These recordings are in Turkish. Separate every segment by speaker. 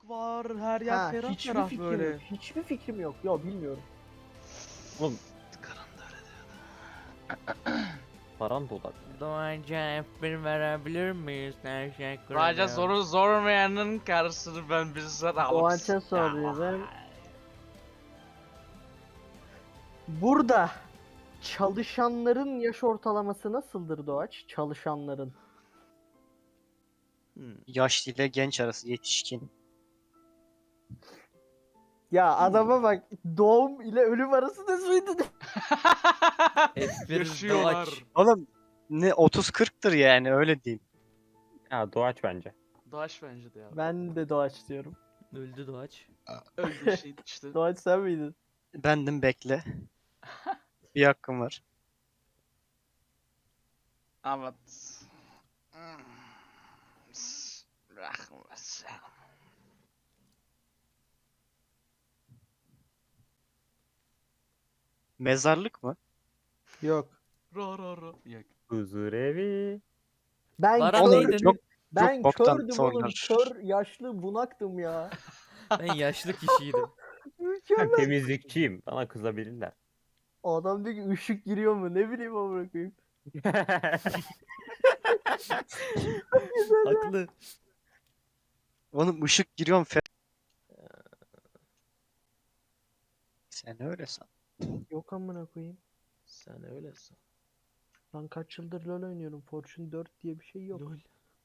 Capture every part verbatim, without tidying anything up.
Speaker 1: var. Her yer
Speaker 2: Ha,
Speaker 1: ferah
Speaker 2: hiçbir
Speaker 1: ferah
Speaker 2: fikrim
Speaker 1: böyle.
Speaker 2: yok. Hiçbir fikrim yok. Ya bilmiyorum.
Speaker 3: Oğlum
Speaker 1: Karan da öyle diyordu.
Speaker 3: paran da olabilir.
Speaker 4: Doğanca F bir verebilir miyiz? Teşekkür
Speaker 1: Raja
Speaker 4: ederim.
Speaker 1: zoru zormayanın karşısını ben bizzat alıp...
Speaker 2: Doğança soruyorum. Burada çalışanların yaş ortalaması nasıldır Doğaç? Çalışanların.
Speaker 1: Hmm.
Speaker 5: Yaşlı ile genç arası yetişkin.
Speaker 2: Ya adama bak, doğum ile ölüm arası ne suydu?
Speaker 4: F bir
Speaker 1: Yaşıyorlar.
Speaker 4: Doğaç.
Speaker 5: Oğlum ne otuz kırktır yani öyle diyeyim.
Speaker 3: Ya doğaç bence.
Speaker 1: Doğaç bence de ya.
Speaker 2: Ben de Doğaç diyorum.
Speaker 4: Öldü Doğaç.
Speaker 1: Öyle şey işte.
Speaker 2: Doğaç sen miydin?
Speaker 5: Bendim bekle. Bir hakkım var.
Speaker 1: Evet. Hmm. Rahmetsin.
Speaker 5: Mezarlık mı?
Speaker 2: Yok.
Speaker 1: Ro ro ro. Yok.
Speaker 3: Huzur evi.
Speaker 2: Ben
Speaker 4: Baran
Speaker 5: Oğlum,
Speaker 4: neydin?
Speaker 5: çok-
Speaker 2: ben
Speaker 5: çok boktan
Speaker 2: kördüm oğlum.
Speaker 5: sorular.
Speaker 2: Kör, yaşlı, bunaktım ya.
Speaker 4: Ben yaşlı kişiydim.
Speaker 3: Ben
Speaker 2: Mükemmel.
Speaker 3: temizlikçiyim. Bana kızabilirler.
Speaker 2: Adam diyor ki ışık giriyor mu? Ne bileyim amına koyayım.
Speaker 4: Haklı.
Speaker 5: Oğlum ışık giriyorum fe... Sen öyle san.
Speaker 2: Yok amına koyayım.
Speaker 1: Sen öylesin.
Speaker 2: Ben kaç yıldır LoL oynuyorum. Fortune dört diye bir şey yok.
Speaker 4: Lol.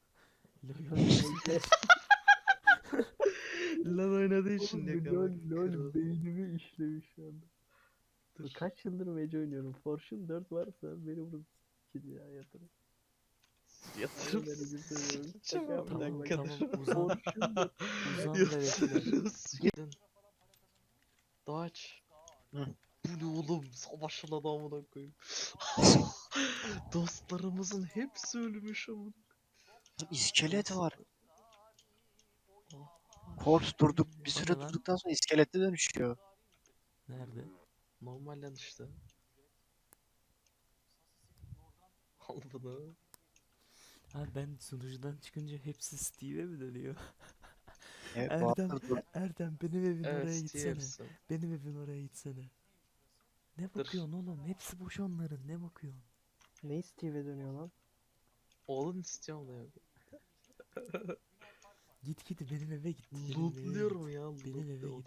Speaker 1: Lan oynadığı için
Speaker 2: Oğlum,
Speaker 1: yakalamak.
Speaker 2: LoL, LoL
Speaker 1: kral.
Speaker 2: beynimi işlemiş şu anda.
Speaker 1: Dur.
Speaker 2: Kaç yıldır Mage oynuyorum. Fortune dört varsa beni burada s**kin ya yatırım.
Speaker 1: Yatırım.
Speaker 2: Aynen öyle söylüyorum.
Speaker 1: Tamam,
Speaker 2: Şaka
Speaker 4: Tamam
Speaker 2: yapıyorum.
Speaker 4: tamam uzan.
Speaker 2: Fortune dört.
Speaker 4: Uzan da bekle.
Speaker 1: Yatırırız. Gidin. Doğaç.
Speaker 5: Hı.
Speaker 1: Bu ne oğlum? Savaşın adamına koyayım. Dostlarımızın hepsi ölmüş ama.
Speaker 5: İskelet var. Corpse durduk. Bir
Speaker 4: O
Speaker 5: süre
Speaker 4: ne lan?
Speaker 5: durduktan sonra iskelete dönüşüyor.
Speaker 4: Nerede?
Speaker 1: Normalden işte. Al bunu.
Speaker 4: Ha ben sunucudan çıkınca hepsi Steve'e mi dönüyor?
Speaker 5: Evet,
Speaker 4: Erdem,
Speaker 5: Bahadır dur.
Speaker 4: Erdem benim evin oraya
Speaker 1: Evet
Speaker 4: gitsene.
Speaker 1: Steve'sin.
Speaker 4: Benim evin oraya gitsene. Ne
Speaker 1: Dur.
Speaker 4: bakıyorsun oğlum? Hepsi boş onların. Ne bakıyorsun?
Speaker 2: Ne Steve'e dönüyor lan?
Speaker 1: Oğlun istiyorum da ya.
Speaker 4: Git git benim eve git. Benim eve git.
Speaker 1: Lootluyorum ya.
Speaker 4: Benim eve
Speaker 1: lootluyorum.
Speaker 4: git.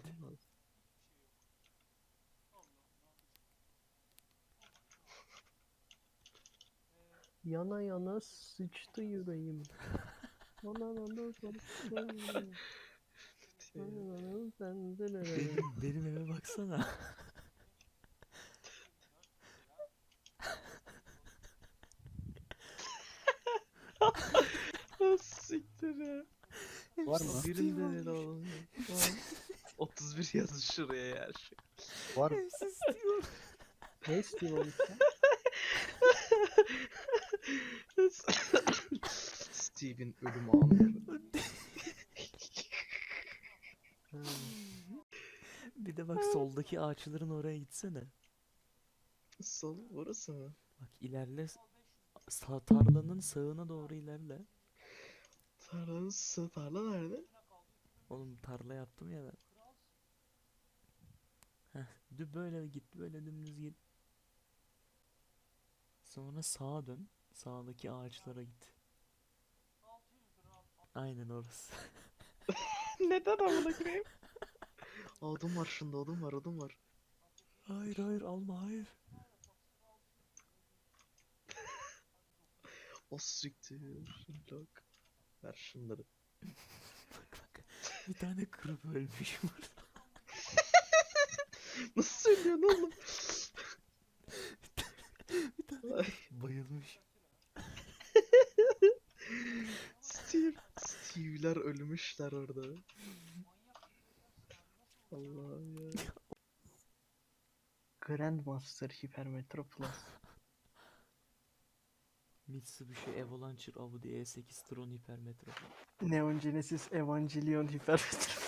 Speaker 2: Yana yana sıçtı yüreğim. Yana yana sıçtı yüreğim. Yana yana sendelere.
Speaker 4: Benim, benim eve baksana.
Speaker 1: Ah, siktir ya.
Speaker 5: Var mı?
Speaker 1: Birinde ne oğlum ya. Tamam. otuz bir yazın şuraya ya.
Speaker 5: Var mı?
Speaker 4: Hepsi Steve.
Speaker 2: Ne Steve olmuş ya?
Speaker 1: Steve'in ölüm anları.
Speaker 2: Ha.
Speaker 4: Bir de bak soldaki ağaçların oraya gitsene.
Speaker 1: Sol burası mı?
Speaker 4: Bak ilerle. Sağ, tarlanın sağına doğru ilerle.
Speaker 1: Tarlanın sı tarla nerede?
Speaker 4: Oğlum tarla yaptım ya ben. Heh, dü böyle git, böyle dümdüz git. Sonra sağa dön. Sağdaki ağaçlara git. Aynen orası.
Speaker 1: Neden amına koyayım? Odun var şunda, odun var, odun var.
Speaker 4: Hayır hayır alma hayır.
Speaker 1: O siktir. Lok. Ver şunları.
Speaker 4: Bak bak. Bir tane kırıp ölmüş burada.
Speaker 1: Nasıl söylüyorsun oğlum?
Speaker 4: Bir tane
Speaker 1: Ay.
Speaker 4: kırıp bayılmış.
Speaker 1: Steve. Steve'ler ölmüşler orada. Allah'ım ya.
Speaker 2: Grandmaster Hypermetro Plus.
Speaker 4: Mitsubishi Evolancer Audi E sekiz Tron Hypermetro.
Speaker 2: Neon Genesis Evangelion Hypermetro.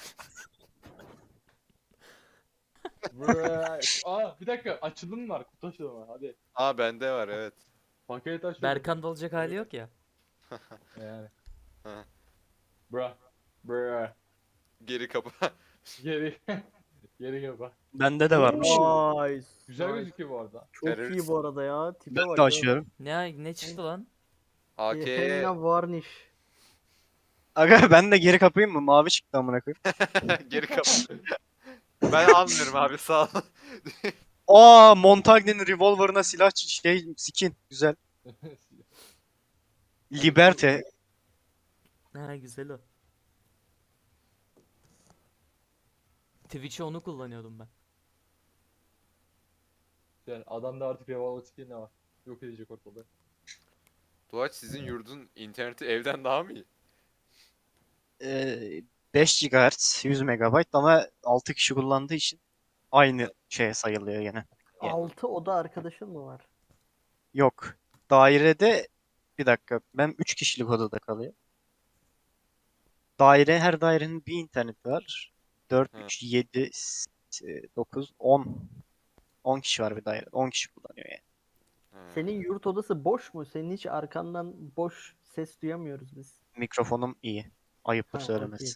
Speaker 6: Aa bir dakika açılım var kutu açılımı hadi.
Speaker 7: Aa bende var evet.
Speaker 6: Paket açılımı.
Speaker 4: Berkan da olacak hali yok ya.
Speaker 6: Yani.
Speaker 7: Ha.
Speaker 6: Bra. Bra.
Speaker 7: Geri kapı.
Speaker 6: Geri. Geri kapa.
Speaker 5: Bende de varmış.
Speaker 2: Nice.
Speaker 6: Güzel
Speaker 2: nice.
Speaker 6: gözüküyor bu arada.
Speaker 2: Çok iyi
Speaker 7: Terörist.
Speaker 2: bu arada ya. Tipe
Speaker 5: Ben
Speaker 2: bak
Speaker 5: de
Speaker 2: ya.
Speaker 5: açıyorum.
Speaker 4: Ne ne çıktı lan?
Speaker 7: A
Speaker 2: Bir
Speaker 7: K'ye
Speaker 2: Henna varnish.
Speaker 5: Aga ben de geri kapayım mı? Mavi çıktı amına koyayım.
Speaker 7: geri kapı. Ben almıyorum abi sağ ol.
Speaker 5: Aa, Montagne'nin revolver'ına silah ç- şey skin güzel. Liberte.
Speaker 4: Ha güzel o. Twitch'e onu kullanıyordum ben.
Speaker 6: Yani adamda artık revolver skin ne var? Yok edecek ortalığı.
Speaker 7: Doğaç sizin yurdun interneti evden daha mı iyi?
Speaker 5: Ee, beş gigahertz yüz megabayt ama altı kişi kullandığı için aynı şeye sayılıyor gene. Yani
Speaker 2: altı oda arkadaşın mı var?
Speaker 5: yok. Dairede bir dakika ben üç kişilik odada kalıyor. Daire her dairenin bir interneti var. dört,
Speaker 7: Hı.
Speaker 5: üç, yedi, dokuz, on. on kişi var bir dairede. on kişi kullanıyor yani.
Speaker 7: Ha.
Speaker 2: Senin yurt odası boş mu? Senin hiç arkandan boş ses duyamıyoruz biz.
Speaker 5: Mikrofonum iyi. Ayıptır
Speaker 2: Ha,
Speaker 5: söylemesi.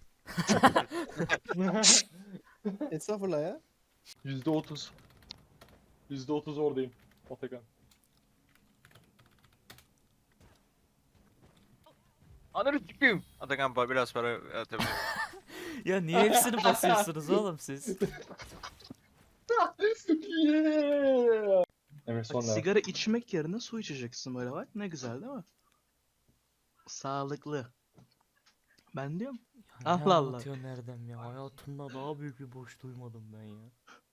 Speaker 8: Estağfurullah ya.
Speaker 6: Yüzde otuz. Yüzde otuz oradayım. Atakan.
Speaker 5: Ananı sikeyim. Atakan pa- biraz para atabilir.
Speaker 4: Ya niye hepsini basıyorsunuz oğlum siz?
Speaker 6: Yeah! Emre
Speaker 1: Bak,
Speaker 6: sonra.
Speaker 1: sigara içmek yerine su içeceksin böyle bak. Ne güzel değil mi? Sağlıklı. Ben diyorum.
Speaker 4: Ya ne
Speaker 1: Allah Allah.
Speaker 4: anlatıyorsun Erdem ya? Hayatımda daha büyük bir boş duymadım ben ya.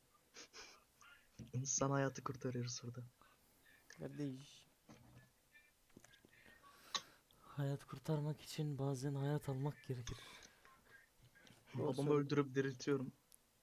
Speaker 1: İnsan hayatı kurtarıyoruz burada.
Speaker 8: Kardeş.
Speaker 4: Hayat kurtarmak için bazen hayat almak gerekir.
Speaker 1: Babamı öldürüp diriltiyorum.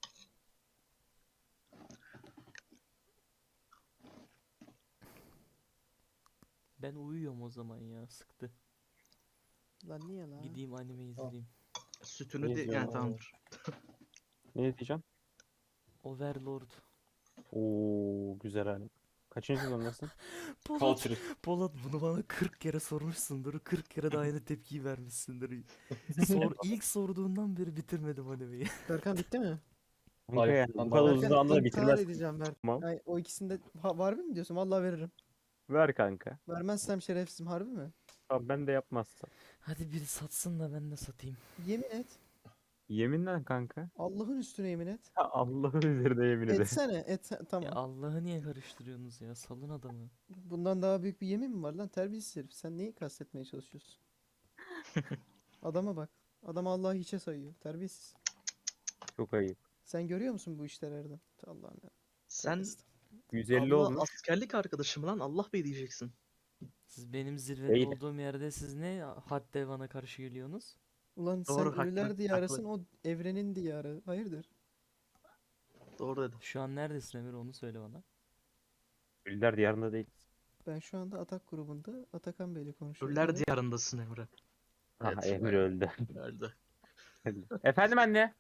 Speaker 4: Ben uyuyorum o zaman ya, sıktı.
Speaker 8: Lan niye lan?
Speaker 4: Gideyim anime izleyeyim.
Speaker 1: Sütünü
Speaker 3: Ne
Speaker 1: de
Speaker 3: diyor
Speaker 1: yani
Speaker 3: lan?
Speaker 1: tamamdır.
Speaker 3: Ne diyeceğim?
Speaker 4: Overlord.
Speaker 3: Oo güzel hani. Kaçıncı sezondasın?
Speaker 4: Polat,
Speaker 6: Culture.
Speaker 4: Polat bunu bana kırk kere sormuşsundur. kırk kere de aynı tepkiyi vermişsindir. Sor, ilk sorduğundan beri bitirmedim animeyi.
Speaker 8: Berkan bitti mi?
Speaker 3: Kanka
Speaker 6: Hayır,
Speaker 3: yani bu
Speaker 6: lan
Speaker 3: kadar
Speaker 6: daha-
Speaker 3: uzun
Speaker 8: Berkan
Speaker 3: zamanda
Speaker 8: intihar
Speaker 3: bitirmez.
Speaker 8: edeceğim Berkan.
Speaker 3: Tamam.
Speaker 8: Ay, o ikisinde ha, var mı diyorsun? Vallahi veririm.
Speaker 3: Ver kanka.
Speaker 8: Vermezsem şerefsizim harbi mi?
Speaker 3: Tamam ben de yapmazsam.
Speaker 4: Hadi biri satsın da ben de satayım.
Speaker 8: Yemin et.
Speaker 3: Yeminle kanka.
Speaker 8: Allah'ın üstüne yemin et.
Speaker 3: Ha, Allah'ın üzerine yemin ederim.
Speaker 8: Etsene. Et,
Speaker 4: Ya
Speaker 8: tamam.
Speaker 4: Allah'ı niye karıştırıyorsunuz ya? Salın adamı.
Speaker 8: Bundan daha büyük bir yemin mi var lan? Terbiyesiz herif. Sen neyi kastetmeye çalışıyorsun? Adama bak. Adam Allah'ı hiçe sayıyor. Terbiyesiz.
Speaker 3: Çok ayıp.
Speaker 8: Sen görüyor musun bu işleri Erdem? Allah'ım ya.
Speaker 1: Sen
Speaker 3: yüz elli
Speaker 1: Allah
Speaker 3: olmuş.
Speaker 1: askerlik arkadaşım lan Allah Bey diyeceksin.
Speaker 4: Siz benim zirvede
Speaker 3: Değil.
Speaker 4: olduğum yerde siz ne had devana karşı geliyorsunuz?
Speaker 8: Ulan
Speaker 1: Doğru,
Speaker 8: sen ölüler
Speaker 1: haklı,
Speaker 8: diyarısın o evrenin diyarı. Hayırdır?
Speaker 1: Doğru dedin.
Speaker 4: Şu an neredesin Emir, onu söyle bana.
Speaker 3: Ölüler diyarında değil.
Speaker 8: Ben şu anda Atak grubunda Atakan Bey'le konuşuyorum.
Speaker 1: Ölüler
Speaker 8: Evet.
Speaker 1: diyarındasın Emre.
Speaker 3: Aha
Speaker 1: Evet,
Speaker 3: Emir
Speaker 1: evet.
Speaker 3: öldü.
Speaker 1: Öldü.
Speaker 3: Efendim anne.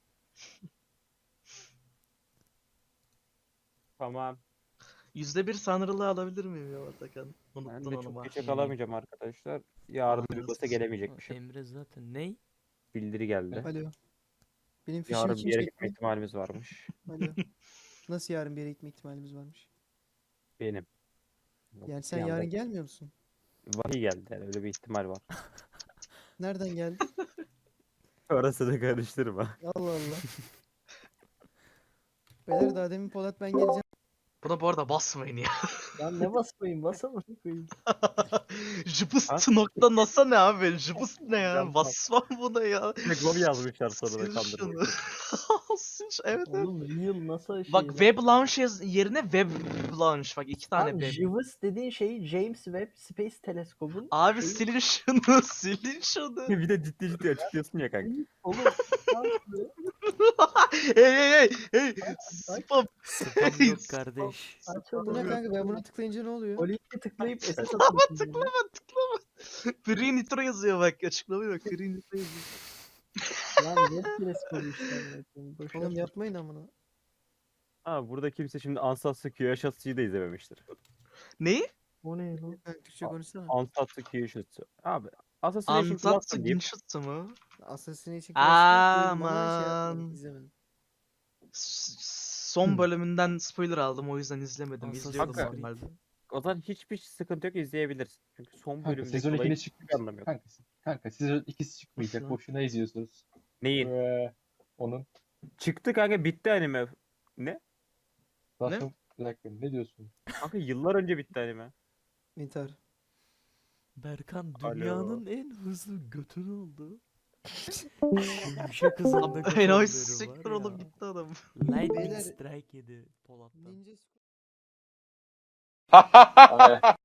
Speaker 3: Tamam.
Speaker 1: Yüzde bir sanrılığı alabilir miyim ya Atakan?
Speaker 3: Ben
Speaker 1: Unuttun
Speaker 3: de
Speaker 1: onu
Speaker 3: çok
Speaker 1: bak.
Speaker 3: geçe kalamayacağım arkadaşlar. Yarın
Speaker 1: Aa,
Speaker 3: bir basa
Speaker 1: nasıl?
Speaker 3: gelemeyecekmişim.
Speaker 4: Emre zaten ney?
Speaker 3: Bildiri geldi.
Speaker 8: Alo. Benim fişim
Speaker 3: Yarın
Speaker 8: için
Speaker 3: bir yere gitme
Speaker 8: çekme.
Speaker 3: ihtimalimiz varmış.
Speaker 8: Alo. Nasıl yarın bir yere gitme ihtimalimiz varmış?
Speaker 3: Benim.
Speaker 8: Yani
Speaker 3: Bir
Speaker 8: sen
Speaker 3: anda
Speaker 8: yarın gelmiyor musun?
Speaker 3: vahiy geldi yani öyle bir ihtimal var.
Speaker 8: Nereden geldi?
Speaker 3: Orası da karıştırma.
Speaker 8: Allah Allah. Beyler daha demin Polat ben geleceğim.
Speaker 1: Buna bu arada basmayın ya.
Speaker 2: Lan ne basmayın basama koyayım.
Speaker 1: Jıpıst nokta nasa ne abi? Jıpıst ne ya?
Speaker 3: Can-
Speaker 1: Basmam buna ya.
Speaker 3: Gobi yazmışlar sonra da
Speaker 1: Sil
Speaker 3: kandırmak.
Speaker 1: şunu. Sil şu- evet evet.
Speaker 2: Oğlum real NASA şey.
Speaker 1: Bak
Speaker 2: lan.
Speaker 1: web launch yaz- yerine web launch. Bak iki tane
Speaker 2: Lan
Speaker 1: web.
Speaker 2: JIVIS dediğin şey James Webb Space Telescope'un
Speaker 1: Abi
Speaker 2: şeyi-
Speaker 1: silin şunu, silin şunu.
Speaker 3: Bir de ciddi ciddi açıklıyorsun ya kanka.
Speaker 2: Oğlum lan
Speaker 1: hey hey hey hey. Spam.
Speaker 4: Spam yok kardeş.
Speaker 2: aç
Speaker 8: Bu ne
Speaker 2: oğlum.
Speaker 8: kanka ben buna tıklayınca ne oluyor?
Speaker 2: O linke tıklayıp S S
Speaker 1: Tıklama
Speaker 2: atıyorsun.
Speaker 1: tıklama tıklama. Free Nitro yazıyor bak. Açıklamıyor bak. Free Nitro yazıyor.
Speaker 2: Lan Webb Teleskopu işte. amına koyayım, boş
Speaker 8: Oğlum
Speaker 2: ver.
Speaker 8: yapmayın amına.
Speaker 3: Ha burada kimse şimdi Ansatsu Kyoshitsu'yu da izlememiştir.
Speaker 1: Neyi?
Speaker 2: O ne lan?
Speaker 8: Kanka Türkçe konuşsana.
Speaker 3: Ansatsu Kyoshitsu. Abi Assassination
Speaker 1: Ansatsu
Speaker 3: Classroom diyeyim.
Speaker 1: Genshutsu mu?
Speaker 8: Assassination Classroom duydum ama şey
Speaker 1: Aman.
Speaker 8: yapmadım, izlemedim.
Speaker 1: S- Son bölümünden spoiler aldım o yüzden izlemedim.
Speaker 8: Assassin's
Speaker 1: İzliyordum
Speaker 3: Creed.
Speaker 1: normalde.
Speaker 3: O zaman hiçbir sıkıntı yok, izleyebilirsin. Çünkü son
Speaker 6: Kanka
Speaker 3: bölümdeki
Speaker 6: sezon
Speaker 3: olayın
Speaker 6: ikide
Speaker 3: hiçbir
Speaker 6: çıkmayacak.
Speaker 3: anlamı yok.
Speaker 6: Kanka, kanka sezon ikisi çıkmayacak.
Speaker 8: Boşuna.
Speaker 6: Boşuna izliyorsunuz.
Speaker 3: Neyin?
Speaker 6: Ve onun.
Speaker 3: Çıktı kanka, bitti anime. Ne?
Speaker 6: Nasıl? Bir dakika ne diyorsun?
Speaker 3: Kanka yıllar önce bitti anime.
Speaker 8: İntihar.
Speaker 4: Berkan
Speaker 3: Alo.
Speaker 4: dünyanın en hızlı götünü oldu. Yumuşak hızında göt
Speaker 1: Enayi
Speaker 4: alları
Speaker 1: siktir
Speaker 4: var
Speaker 1: oğlum
Speaker 4: ya.
Speaker 1: gitti adam.
Speaker 4: Lightning
Speaker 8: Beyler-
Speaker 4: strike yedi Polat'tan.
Speaker 8: Ninja
Speaker 6: Ay,